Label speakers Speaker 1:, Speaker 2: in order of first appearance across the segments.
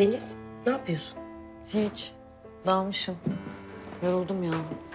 Speaker 1: Deniz, ne yapıyorsun?
Speaker 2: Hiç. Dalmışım. Yoruldum ya.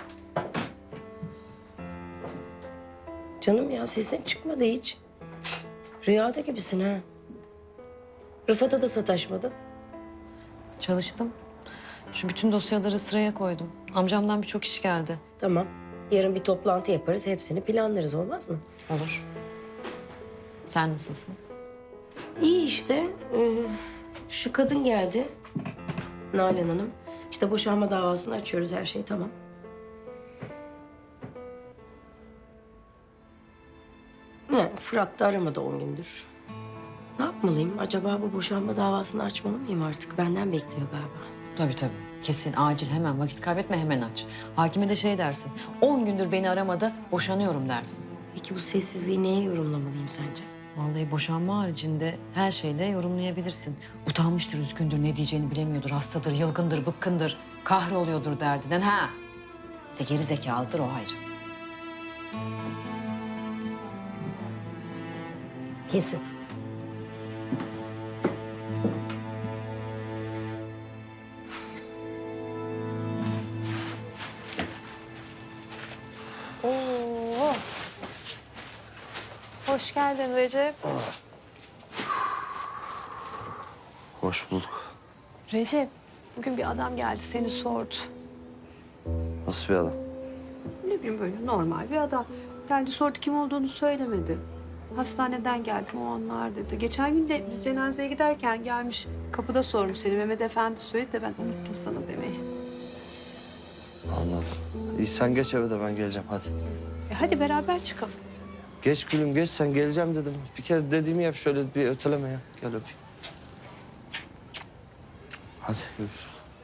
Speaker 1: Canım ya sesin çıkmadı hiç. Rüyada gibisin ha. Rıfat'a da sataşmadın.
Speaker 2: Çalıştım. Şu bütün dosyaları sıraya koydum. Amcamdan birçok iş geldi.
Speaker 1: Tamam. Yarın bir toplantı yaparız. Hepsini planlarız, olmaz mı?
Speaker 2: Olur. Sen nasılsın?
Speaker 1: İyi işte. Şu kadın geldi. Nalan Hanım. İşte boşanma davasını açıyoruz. Her şey tamam. Ne? Fırat da aramadı 10 gündür. Ne yapmalıyım? Acaba bu boşanma davasını açmalı mıyım artık? Benden bekliyor galiba.
Speaker 2: Tabii tabii. Kesin, acil, hemen. Vakit kaybetme, hemen aç. Hakime de şey dersin. 10 gündür beni aramadı, boşanıyorum dersin.
Speaker 1: Peki bu sessizliği neye yorumlamalıyım sence?
Speaker 2: Vallahi boşanma haricinde her şeyde yorumlayabilirsin. Utanmıştır, üzgündür, ne diyeceğini bilemiyordur, hastadır, yılgındır, bıkkındır, kahroluyordur derdinden. Ha! Bir de geri zekalıdır, o ayrı.
Speaker 1: Kesin.
Speaker 3: Oo. Hoş geldin Recep.
Speaker 4: Hoş bulduk.
Speaker 3: Recep, bugün bir adam geldi seni sordu.
Speaker 4: Nasıl bir adam?
Speaker 3: Ne bileyim böyle normal bir adam. Geldi sordu kim olduğunu söylemedi. Hastaneden geldim o anlar dedi. Geçen gün de biz cenazeye giderken gelmiş kapıda sormuş seni. Mehmet Efendi söyledi de ben unuttum sana demeyi.
Speaker 4: Anladım. İyi sen geç eve de ben geleceğim hadi.
Speaker 3: Hadi beraber çıkalım.
Speaker 4: Geç gülüm geç sen geleceğim dedim. Bir kez dediğimi yap şöyle bir öteleme ya. Gel öpeyim. Hadi görüşürüz.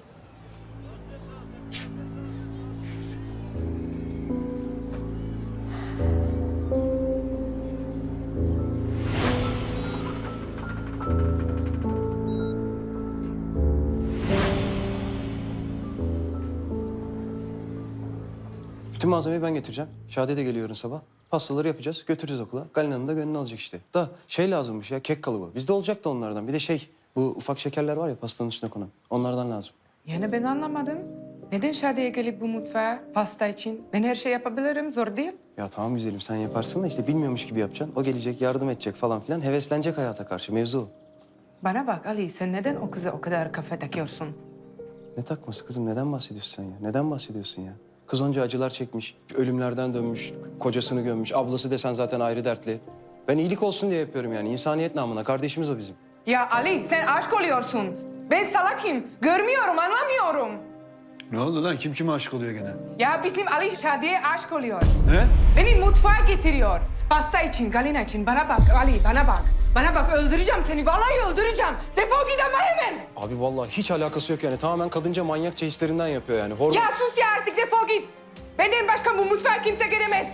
Speaker 5: Bütün malzemeyi ben getireceğim. Şadi de geliyor yarın sabah. Pastaları yapacağız, götüreceğiz okula. Galina'nın da gönlünü alacak işte. Da şey lazımmış ya, kek kalıbı. Bizde olacak da onlardan. Bir de şey, bu ufak şekerler var ya pastanın üstüne konan. Onlardan lazım.
Speaker 6: Yani ben anlamadım. Neden Şadiye gelip bu mutfağa pasta için? Ben her şey yapabilirim, zor değil.
Speaker 5: Ya tamam güzelim sen yaparsın da işte bilmiyormuş gibi yapacaksın. O gelecek, yardım edecek falan filan. Heveslenecek hayata karşı, mevzu o.
Speaker 6: Bana bak Ali, sen neden o kıza o kadar kafa takıyorsun?
Speaker 5: Ne takması kızım, neden bahsediyorsun sen ya? Neden bahsediyorsun ya? Kız onca acılar çekmiş, ölümlerden dönmüş, kocasını gömmüş. Ablası desen zaten ayrı dertli. Ben iyilik olsun diye yapıyorum yani. İnsaniyet namına. Kardeşimiz o bizim.
Speaker 6: Ya Ali, sen aşk oluyorsun. Ben salakım, görmüyorum, anlamıyorum.
Speaker 7: Ne oldu lan? Kim kime aşık oluyor gene?
Speaker 6: Ya bizim Ali Şadiye aşk oluyor.
Speaker 7: Ne?
Speaker 6: Beni mutfağa getiriyor. Pasta için, Galina için. Bana bak Ali, bana bak. Bana bak, öldüreceğim seni. Vallahi öldüreceğim. Defol git ama hemen.
Speaker 5: Abi vallahi hiç alakası yok yani. Tamamen kadınca manyakça hislerinden yapıyor yani. Hormon...
Speaker 6: Ya sus ya artık, defol git. Benden başka bu mutfağa kimse giremez.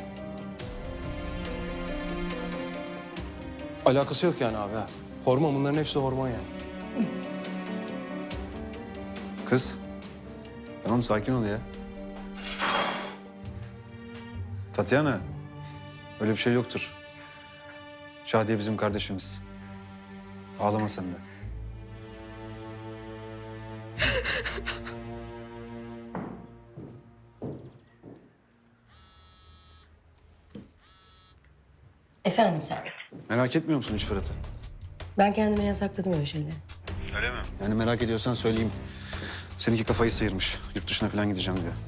Speaker 5: Alakası yok yani abi ha. Hormon, bunların hepsi hormon yani.
Speaker 7: Kız. Tamam sakin ol ya. Tatyana. Öyle bir şey yoktur. Şadiye bizim kardeşimiz. Ağlama sen de.
Speaker 1: Efendim sen.
Speaker 7: Merak etmiyor musun hiç Fırat'ı?
Speaker 1: Ben kendime yasakladım öyle şeyleri.
Speaker 7: Öyle mi? Yani merak ediyorsan söyleyeyim. Seninki kafayı sıyırmış. Yurt dışına falan gideceğim diyor.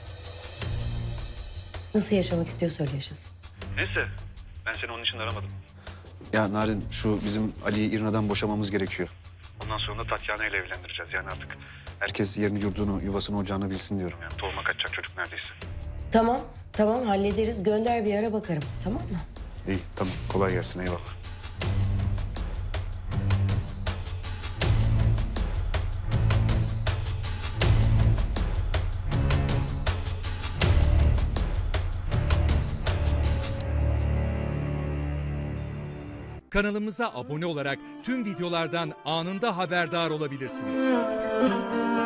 Speaker 1: Nasıl yaşamak istiyorsa öyle yaşasın.
Speaker 7: Neyse. Ben seni onun için aramadım. Ya Narin, şu bizim Ali'yi İrna'dan boşamamız gerekiyor. Ondan sonra da Tatyana ile evlendireceğiz. Yani artık herkes yerini, yurdunu, yuvasını, ocağını bilsin diyorum yani. Tohuma kaçacak çocuk neredeyse.
Speaker 1: Tamam, tamam hallederiz. Gönder bir ara bakarım. Tamam mı?
Speaker 7: İyi, tamam. Kolay gelsin. Eyvallah.
Speaker 8: Kanalımıza abone olarak tüm videolardan anında haberdar olabilirsiniz.